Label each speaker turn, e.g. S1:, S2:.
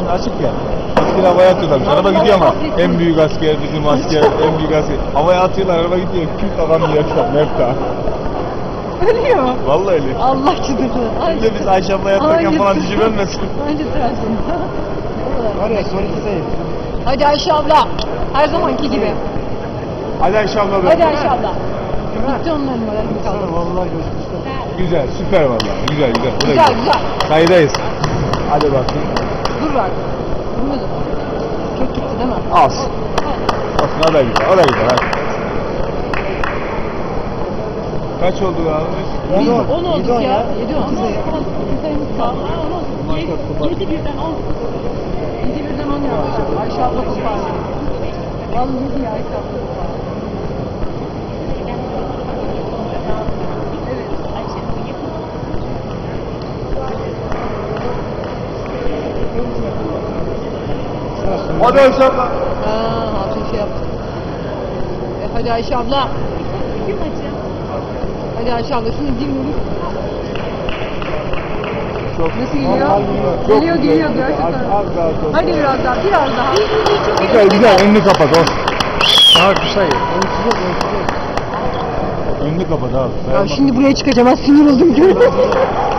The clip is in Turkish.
S1: açık ya. Asker havaya atıyorlarmış. Araba gidiyor ama. En büyük asker bizim asker. En büyük asker. Havaya atıyorlar, araba gidiyor. Kim kafam yiyecek? Mefta.
S2: Ölüyor mu?
S1: Vallahi öyle.
S2: Allah çıldırdı.
S1: Şimdi biz Ayşe abla yaparken falan düşünülmesin.
S2: Önce tersin.
S3: Var ya son iki sayı.
S2: Hadi Ayşe abla. Her zamanki gibi.
S1: Hadi Ayşe abla da.
S2: Hadi Ayşe abla. Bitti onların moralini kaldı.
S3: Vallahi gözükmüşler.
S1: Güzel, süper vallahi. Güzel, güzel. Bu da
S2: Güzel güzel.
S1: Kayıdayız. Hadi bakayım.
S2: Dur artık. Durmadı. Çok gitti değil mi?
S1: Az. Olsun, o da güzel, o da güzel. Hadi. Kaç oldu abi?
S2: 10 olduk ya. 7 10.
S4: Vallahi 7 birden 10.
S2: 7 birden 10 yapmış. Ayşe abla kopardı. Vallahi ya Ayşe abla kopardı.
S1: Hadi Ayşe abla.
S2: Hatun şey yaptı. Hadi Ayşe abla.
S4: Kim acı?
S2: Hadi Ayşe abla şunu dinleyelim.
S1: Çok.
S2: Nasıl geliyor?
S1: Çok
S2: Geliyor
S1: güzel.
S2: geliyor gerçekten.
S1: Az daha çok.
S2: Hadi biraz daha biraz daha.
S1: Güzel güzel, önünü kapat olsun.
S3: Daha bir sayı. Ölçecek.
S1: Önünü kapat abi.
S2: Ya şimdi buraya çıkacağım, ben sinir oldum.